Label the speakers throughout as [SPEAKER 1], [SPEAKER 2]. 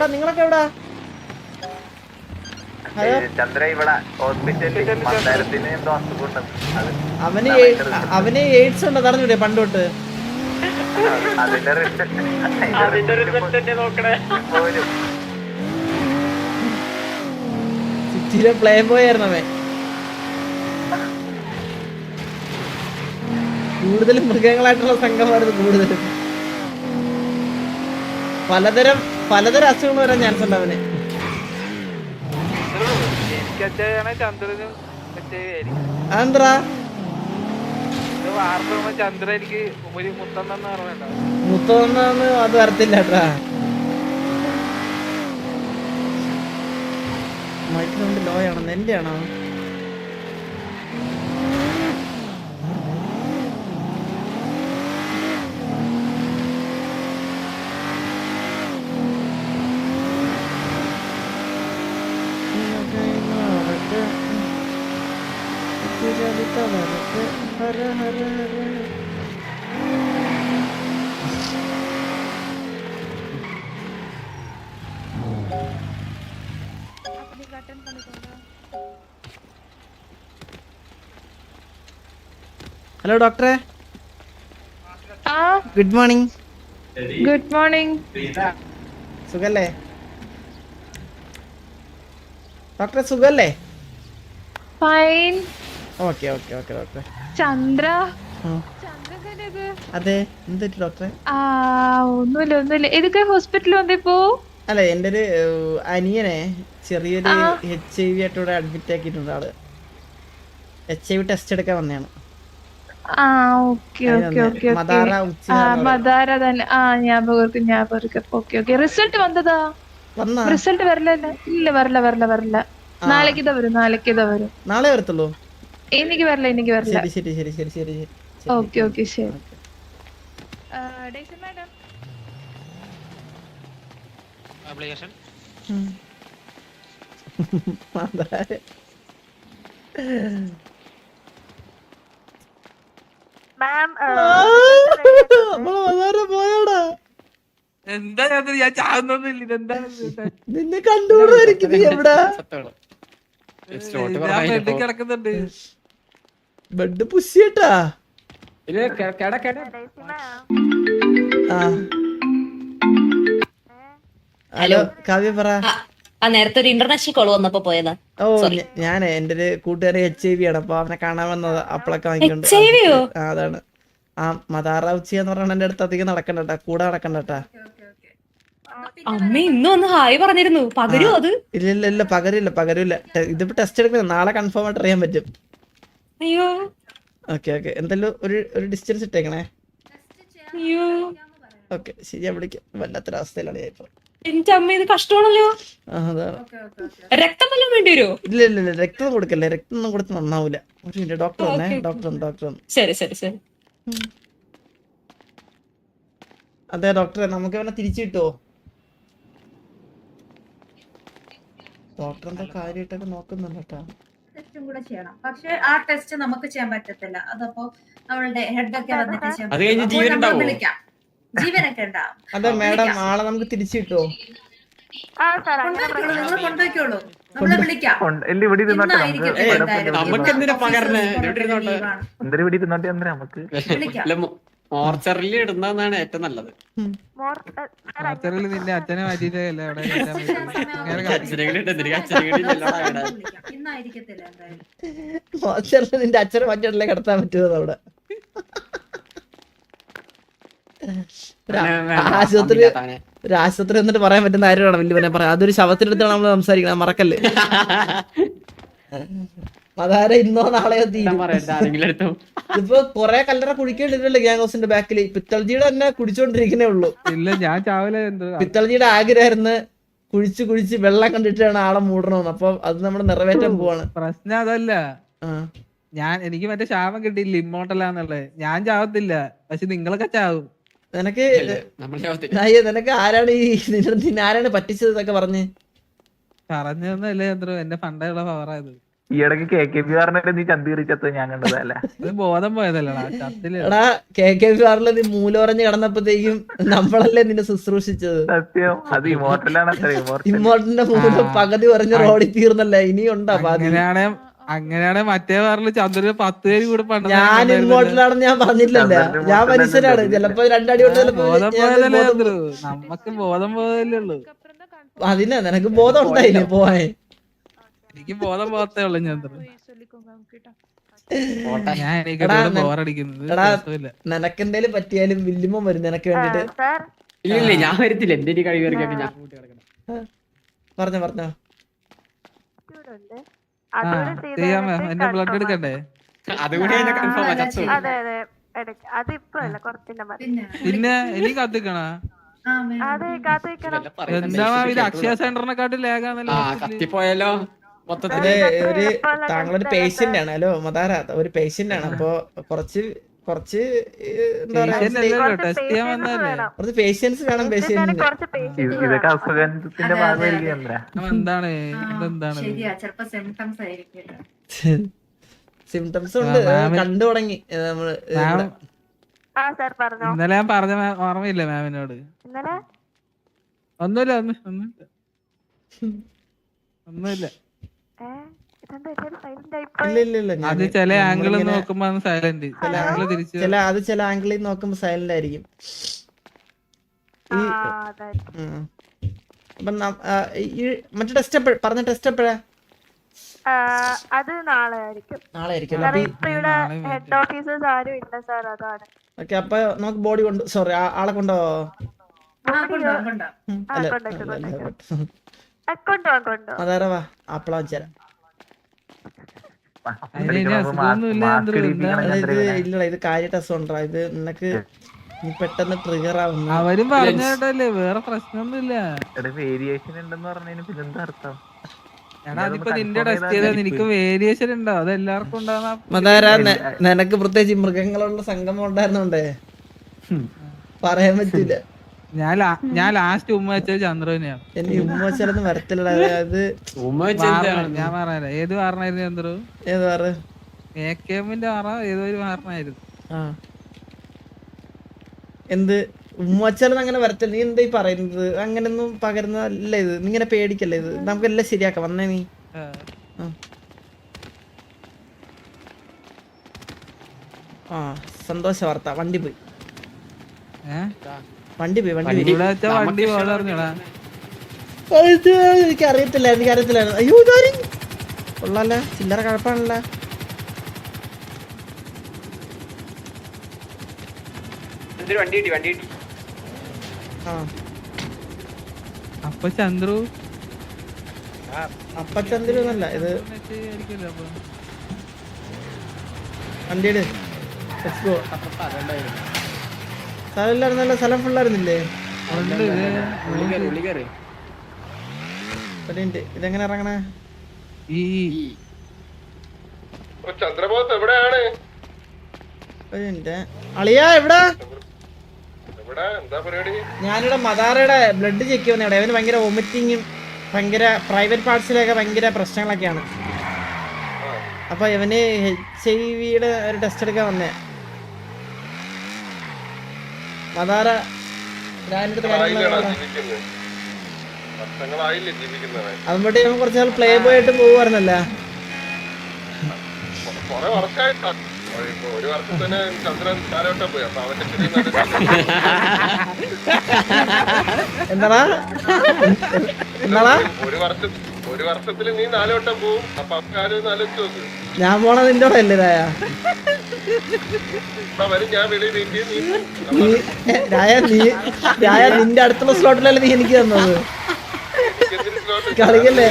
[SPEAKER 1] നിങ്ങളൊക്കെ എവിടാ?
[SPEAKER 2] ചന്ദ്ര ഇവിടെ ഹോസ്പിറ്റലിൽ എന്തോ അസുഖം.
[SPEAKER 1] അവന് എയ്ഡ്സ് ഉണ്ടോ അറിഞ്ഞൂടെ പണ്ട് തൊട്ട്? സിറ്റിയിലെ പ്ലേ ബോയ് ആയിരുന്നു അവൻ. കൂടുതലും മൃഗങ്ങളായിട്ടുള്ള സംഘമായിരുന്നു കൂടുതലും. പലതരം അസുഖങ്ങൾ വരാൻ ചാൻസ് ഉണ്ട് അവന്. അതെന്താ
[SPEAKER 3] ചന്ദ്ര എനിക്ക്
[SPEAKER 1] മുത്തൊന്നു അത് വരത്തില്ല കേട്ടാ. മൈക്രോണ്ട് ലോ ആണോ എന്റെ ആണോ? ഹര ഹര ഹര. ഹലോ ഡോക്ടറെ. Good morning.
[SPEAKER 4] Good morning.
[SPEAKER 1] സുഖല്ലേ ഡോക്ടറെ? സുഖല്ലേ?
[SPEAKER 4] ഫൈൻ.
[SPEAKER 1] ഓക്കെ ഓക്കെ ഓക്കെ ഡോക്ടറെ.
[SPEAKER 4] ചന്ദ്ര
[SPEAKER 1] അതെ, എന്ത് ഡോക്ടറെ?
[SPEAKER 4] ഒന്നുമില്ല. ഏതൊക്കെ ഹോസ്പിറ്റലിൽ വന്നിപ്പോ?
[SPEAKER 1] അല്ല, എൻ്റെ ഒരു അനിയനെ ചെറിയൊരു HIV ആയിട്ട് ഇവിടെ അഡ്മിറ്റ് ആക്കിയിട്ടുണ്ട്. ആള് HIV ടെസ്റ്റ് എടുക്കാൻ വന്നതാണ്.
[SPEAKER 4] മദാര തന്നെ. ഞാപകം. ഓക്കെ. റിസൾട്ട് വന്നതാ? റിസൾട്ട് ഇല്ല, വരില്ല. നാളേക്ക് വരും.
[SPEAKER 1] നാളെ വരത്തുള്ളൂ?
[SPEAKER 4] എനിക്ക് വരില്ല.
[SPEAKER 1] ശരി.
[SPEAKER 4] ഓക്കെ ശരി. മാഡം
[SPEAKER 3] ആപ്ലിക്കേഷൻ എന്താ ഞാൻ ചാവുന്നൊന്നുമില്ല. ഇതെന്താണ്
[SPEAKER 1] നിന്നെ കണ്ടുകൂടായിരിക്കും. എവിടാ
[SPEAKER 3] കിടക്കുന്നുണ്ട്?
[SPEAKER 1] ബെഡ് പുഷിട്ടാ. ഹലോ കാവ്യ പറ.
[SPEAKER 5] നേരത്തെ ഒരു ഇന്റർനാഷണൽ കോൾ വന്നപ്പോ പോയതാ.
[SPEAKER 1] ഞാൻ എന്റെ ഒരു കൂട്ടുകാരി HIV ആണ്. അപ്പൊ അവനെ കാണാൻ വന്നതാ. അപ്പളൊക്കെ വാങ്ങിക്കൊണ്ട്. അതാണ് ആ മദാറാവുച്ചി എന്ന് പറഞ്ഞ എന്റെ അടുത്ത് അധികം നടക്കണ്ടട്ടാ, കൂടെ നടക്കണ്ടട്ടാ.
[SPEAKER 5] അമ്മ ഇന്ന് വന്ന് ഹായ് പറഞ്ഞിരുന്നു. പകരും അത്?
[SPEAKER 1] ഇല്ല പകരില്ല. ഇതിപ്പോ ടെസ്റ്റ് എടുക്കണം. നാളെ കൺഫേം ആയിട്ട് അറിയാൻ പറ്റും.
[SPEAKER 5] അയ്യോ
[SPEAKER 1] ഓക്കെ. എന്തായാലും ഒരു ഡിസ്റ്റൻസ് ഇട്ടേക്കണേ.
[SPEAKER 5] അയ്യോ
[SPEAKER 1] ഓക്കെ ശരി, ഞാൻ വിളിക്കാം. വല്ലാത്തൊരവസ്ഥയിലാണ് ഞാൻ ഇപ്പൊ.
[SPEAKER 5] എന്റെ അമ്മ, ഇത് കഷ്ടമാണല്ലോ.
[SPEAKER 1] അതാണ്.
[SPEAKER 5] രക്തം വല്ലതും വേണ്ടി വരുമോ?
[SPEAKER 1] ഇല്ല രക്തം കൊടുക്കല്ലേ. രക്തം ഒന്നും കൊടുത്ത് നന്നാവൂല. ഡോക്ടർ.
[SPEAKER 5] ശരി.
[SPEAKER 1] അതെ ഡോക്ടറെ, നമുക്ക് അവനെ തിരിച്ചു കിട്ടുമോ? ഡോക്ടർ എന്താ കാര്യമായിട്ടൊക്കെ നോക്കുന്നുണ്ട് കേട്ടോ.
[SPEAKER 6] ടെസ്റ്റും കൂടെ ചെയ്യണം. പക്ഷെ ആ ടെസ്റ്റ് നമുക്ക് ചെയ്യാൻ പറ്റത്തില്ല. അതപ്പോ നമ്മളുടെ ഹെഡൊക്കെ വന്നിട്ട് വിളിക്കാം. ജീവനൊക്കെ ഉണ്ടാവും.
[SPEAKER 1] അതെ മാഡം, ആളെ നമുക്ക് തിരിച്ചു കിട്ടുമോ?
[SPEAKER 6] നിങ്ങൾ കൊണ്ടുപോയിക്കോളൂ, നമ്മളെ വിളിക്കാം.
[SPEAKER 7] മോർച്ചറിൽ ഇടുന്നതാണ് ഏറ്റവും നല്ലത്.
[SPEAKER 3] നിന്റെ അച്ഛനെ മാറ്റിയിട്ടല്ലേ അവിടെ
[SPEAKER 1] നിന്റെ അച്ഛനെ മാറ്റിയിട്ടല്ലേ കിടത്താൻ പറ്റുമോ അവിടെ? ഒരു ആശുപത്രി എന്നിട്ട് പറയാൻ പറ്റുന്ന കാര്യമാണ് വലിയ പറയാം. അതൊരു ശവത്തിനടുത്താണ് നമ്മൾ സംസാരിക്കണം, മറക്കല്ലേ. അതാരെ ഇന്നോ നാളെയോ ഇപ്പൊ കൊറേ കല്ലറ കുടിക്കേണ്ടിട്ടല്ലേ ഗ്യാങ് ഹൗസിന്റെ ബാക്കില്. പിത്തൾജിയുടെ തന്നെ കുടിച്ചോണ്ടിരിക്കുന്നേ ഉള്ളൂ.
[SPEAKER 3] ഇല്ല, ഞാൻ ചാവല.
[SPEAKER 1] പിത്തൾജിയുടെ ആഗ്രഹമായിരുന്നു കുഴിച്ച് വെള്ളം കണ്ടിട്ടാണ് ആളെ മൂടണമെന്ന്. അപ്പൊ അത് നമ്മൾ നിറവേറ്റാൻ പോവാണ്.
[SPEAKER 3] പ്രശ്നം അതല്ല, എനിക്ക് മറ്റേ ശാപം കിട്ടിയില്ല ഇമ്മോട്ടലാന്നുള്ളത്. ഞാൻ ചാവത്തില്ല, പക്ഷെ നിങ്ങളൊക്കെ ചാവും.
[SPEAKER 1] നിനക്ക് ആരാണ് ആരാണ് പറ്റിച്ചത് എന്നൊക്കെ പറഞ്ഞൊന്നുമല്ലേ
[SPEAKER 3] ചന്ദ്രു? എന്റെ പണ്ടുള്ള പവറായത്.
[SPEAKER 2] ഈ ഇടയ്ക്ക് KKB പറഞ്ഞിട്ട് നീ ചന്തീറിച്ചത് ഞാൻ കണ്ടതല്ല.
[SPEAKER 3] ഇത് ബോധം പോയതല്ലടാ ചത്തില്.
[SPEAKER 1] എടാ KKR നീ മൂലൊറഞ്ഞ് കിടന്നപ്പോഴത്തേക്കും നമ്മളല്ലേ നിന്നെ ശുശ്രൂഷിച്ചത്.
[SPEAKER 2] സത്യം അത് ഇമോർട്ടലാണ്.
[SPEAKER 1] ഇമ്മോട്ടിന്റെ മൂലം പകുതി പറഞ്ഞ് റോഡിൽ തീർന്നല്ലേ, ഇനി ഉണ്ടാ പാതി.
[SPEAKER 3] അങ്ങനെയാണെ മറ്റേ വാറില് ചന്ദ്രന് 10 പേര് കൂടെ
[SPEAKER 1] ഞാൻ ഇമ്മോട്ടിലാണെന്ന് ഞാൻ പറഞ്ഞില്ലല്ല, ഞാൻ മനുഷ്യനാണ്. ചിലപ്പോ രണ്ടടി കൊണ്ട് ചിലപ്പോ
[SPEAKER 3] ബോധം പോയതല്ലേ ചന്ദ്രു, നമ്മക്ക് ബോധം പോയതല്ലേ ഉള്ളു.
[SPEAKER 1] അതിനാ നിനക്ക് ബോധം ഉണ്ടായില്ലേ പോവാൻ?
[SPEAKER 3] എനിക്ക് ബോധം പോകത്തേ ഉള്ളു ചന്ദ്രു. ഞാൻ
[SPEAKER 1] എടാ,
[SPEAKER 3] ബോറടിക്കുന്നത്
[SPEAKER 1] എടാ, നിനക്കെന്തേലും പറ്റിയാലും വില്ലുമ്മ വരും നിനക്ക് വേണ്ടിട്ട്.
[SPEAKER 7] ഇല്ല ഞാൻ വരത്തില്ല, എന്റെ ഒരു കഴിവ് ഇറക്കിയൊക്കെ ഞാൻ കൂട്ടി കിടക്കണം.
[SPEAKER 1] പറഞ്ഞോ
[SPEAKER 3] ചെയ്യാമോ? എന്റെ ബ്ലഡ് എടുക്കണ്ടേ?
[SPEAKER 7] അതുകൂടി അതിന്റെ കൺഫേം ചത്തു.
[SPEAKER 3] പിന്നെ ഇനി കത്തിക്കണ എന്താ ഇത് അക്ഷയ സെന്ററിനെക്കാട്ടി ലേഖാന്നല്ലോ.
[SPEAKER 7] കത്തിപ്പോയാലോ മൊത്തത്തില്.
[SPEAKER 1] ഒരു താങ്കളൊരു പേഷ്യന്റ് ആണ്. ഹലോ മതാര, ഒരു പേഷ്യന്റ് ആണ്. അപ്പൊ കുറച്ച് എന്താ പറയാ,
[SPEAKER 3] ടെസ്റ്റ് ചെയ്യാൻ വന്നല്ലേ.
[SPEAKER 1] കുറച്ച് പേഷ്യൻസ് വേണം പേഷ്യന്റിന്.
[SPEAKER 2] ഇതൊക്കെ അസുഖത്തിന്റെ ഭാഗമായിരിക്കും.
[SPEAKER 3] എന്താണ് ഇതെന്താണ്?
[SPEAKER 6] ശരിയാ, ചിലപ്പോ സിംറ്റംസ് ആയിരിക്കും.
[SPEAKER 1] സിംറ്റംസ് ഉണ്ട്, കണ്ടു തുടങ്ങി നമ്മള്.
[SPEAKER 3] ഇന്നലെ ഞാൻ പറഞ്ഞ ഓർമ്മയില്ല മാമിനോട്? ഒന്നുമില്ല.
[SPEAKER 1] ഇല്ല
[SPEAKER 3] അത് ചില ആംഗിൾ നോക്കുമ്പോ സൈലന്റ്,
[SPEAKER 1] അത് ചില ആംഗിളിൽ നോക്കുമ്പോ സൈലന്റ് ആയിരിക്കും. മറ്റേ ടെസ്റ്റ് പറഞ്ഞ ടെസ്റ്റ് എപ്പോഴാ?
[SPEAKER 8] അത് നാളെ ആയിരിക്കും. ഹെഡ് ഓഫീസേഴ്സ് ആരും ഇല്ല സാർ, അതാണ്.
[SPEAKER 1] ഓക്കെ, അപ്പൊ നമുക്ക് ബോഡി സോറി ആളെ കൊണ്ടോ? അതാരവാ ആപ്പിള വെച്ചാൽ ഇല്ലടാ, ഇത് കാര്യമായിട്ട് അസുഖം. ഇത് നിനക്ക് നീ പെട്ടെന്ന് ട്രിഗർ ആവുന്നു.
[SPEAKER 3] അവരും പറഞ്ഞല്ലേ, വേറെ പ്രശ്നമൊന്നുമില്ല.
[SPEAKER 2] വേരിയേഷൻ ഉണ്ടെന്ന് പറഞ്ഞതിന് പിന്നെന്താ അർത്ഥം?
[SPEAKER 3] എടാ അതിപ്പോ നിന്റെ ടെസ്റ്റ് ചെയ്താൽ നിനക്ക് വേരിയേഷൻ ഉണ്ടോ? അത് എല്ലാവർക്കും ഉണ്ടാകുന്ന.
[SPEAKER 1] മതാരാ, നിനക്ക് പ്രത്യേകിച്ച് മൃഗങ്ങളുള്ള സംഗമം ഉണ്ടായിരുന്നോണ്ടേ പറയാൻ പറ്റില്ല.
[SPEAKER 3] ഞാൻ ലാസ്റ്റ് ഉമ്മ വെച്ചത് ചന്ദ്രനെയാണ്.
[SPEAKER 1] എനിക്ക് ഉമ്മ വെച്ചാലൊന്നും വരത്തില്ല. അത്
[SPEAKER 3] ഞാൻ പറഞ്ഞ ഏത് വാറനായിരുന്നു ചന്ദ്രു?
[SPEAKER 1] ഏത് വാറ്?
[SPEAKER 3] AKM-ന്റെ വാറ ഏതോ ഒരു വാറനായിരുന്നു.
[SPEAKER 1] എന്ത് ഉമ്മ വെച്ചാലൊന്നും അങ്ങനെ വരത്തില്ല. നീ എന്താ ഈ പറയുന്നത്? അങ്ങനൊന്നും പകരുന്നതല്ല ഇത്. നീ ഇങ്ങനെ പേടിക്കല്ലേ. ഇത് നമുക്കെല്ലാം ശരിയാക്കാം. വന്നേ നീ. സന്തോഷ വാർത്ത, വണ്ടി പോയി. എനിക്കറിയത്തില്ല. അയ്യോ ഇതാരും കൊള്ളാല്ല, ചില്ലറ കഴപ്പാണല്ല.
[SPEAKER 3] അപ്പൊ ചന്ദ്രു
[SPEAKER 1] ഒന്നല്ല ഇത്. വണ്ടിയുടെ സ്ഥലമില്ലായിരുന്നല്ലോ, സ്ഥലം ഫുള്ളായിരുന്നില്ലേ? ഇതെങ്ങനെ ഇറങ്ങണേ?
[SPEAKER 9] ചന്ദ്രബോസ് എവിടെയാണ്?
[SPEAKER 1] അളിയാ എവിടാ?
[SPEAKER 9] എന്താ പരിപാടി?
[SPEAKER 1] ഞാനിവിടെ മദാറയുടെ ബ്ലഡ് ചെക്ക് ചെയ്യുന്ന ഇവിടെ. അവന് ഭയങ്കര വൊമിറ്റിങ്ങും ഭയങ്കര പ്രൈവറ്റ് പാർട്സിലൊക്കെ ഭയങ്കര പ്രശ്നങ്ങളൊക്കെയാണ്. അപ്പൊ ഇവന് HIV-യുടെ ഒരു ടെസ്റ്റ് എടുക്കാൻ വന്നേ. മദാറ അതുമ്പോട്ട് ഇവൻ കുറച്ച് നാൾ പ്ലേ ബോയ് ആയിട്ട് പോകുമായിരുന്നല്ല.
[SPEAKER 9] ഒരു വർഷം തന്നെ ചന്ദ്രൻ കാലോട്ടം പോയി. അപ്പൊ അവന്റെ
[SPEAKER 1] എന്താടാ
[SPEAKER 9] ഒരു വർഷത്തിൽ നീ 4 വട്ടം പോവും. അപ്പൊ കാര്യം ആലോചിച്ച് നോക്ക്.
[SPEAKER 1] ഞാൻ പോണ നിന്റെ കൂടെ അല്ലേ രായ?
[SPEAKER 9] വരും, ഞാൻ വെളിയിൽ
[SPEAKER 1] രായ നിന്റെ അടുത്തുള്ള സ്ലോട്ടിലല്ലേ നീ എനിക്ക് തന്നത്? കളിക്കല്ലേ?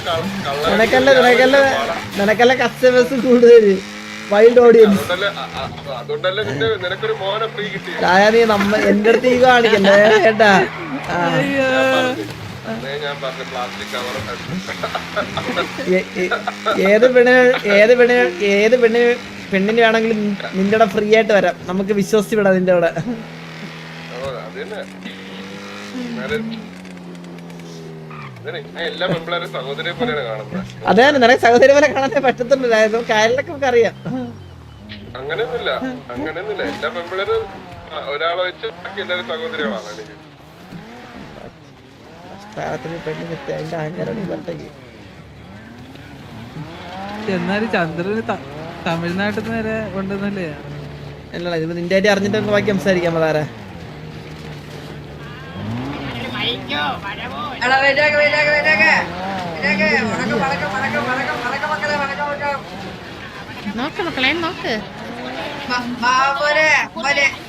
[SPEAKER 1] നിനക്കല്ലേ കസ്റ്റമേഴ്സ് കൂടുതല്, വൈൽഡ് ഓഡിയൻസ്.
[SPEAKER 9] അതുകൊണ്ടല്ലേ നിനക്കൊരു മോനെ ഫ്രീ കിട്ടി.
[SPEAKER 1] രായ നീ എന്റെ അടുത്ത് ഈ കാണിക്കല്ലേ കേട്ടാ?
[SPEAKER 9] ഞാൻ പറഞ്ഞ പ്ലാസ്റ്റിക് കവർ
[SPEAKER 1] ഏത് പെണ്ണിന് വേണമെങ്കിലും നിന്റെ കൂടെ ഫ്രീ ആയിട്ട് വരാം. നമുക്ക് വിശ്വസിച്ച് വിടാം നിന്റെ കൂടെ.
[SPEAKER 9] ഞാൻ എല്ലാ പെൺപിള്ളേരും സഹോദരിയെ പോലെയാണ് കാണുന്നത്.
[SPEAKER 1] അതെ നിനക്ക് സഹോദരി പോലെ കാണാനേ പറ്റത്തുള്ളൂ. കാര്യങ്ങളൊക്കെ നമുക്ക് അറിയാം.
[SPEAKER 9] അങ്ങനെയൊന്നുമില്ല. എല്ലാ പെൺപിള്ളേരും ഒരാളെ വെച്ച് ബാക്കി എല്ലാവരും സഹോദരികളാണ് എനിക്ക്.
[SPEAKER 3] എന്നാലും ചന്ദ്രന് തമിഴ്നാട്ടിൽ നിന്ന് വരെ ഉണ്ടെന്നല്ലേ?
[SPEAKER 1] അല്ലടാ ഇത് നിന്റെ ആയിട്ട് അറിഞ്ഞിട്ട് നമുക്ക് ബാക്കി സംസാരിക്കാം. അതാരാ
[SPEAKER 5] നോക്ക് മക്കളെ നോക്ക്.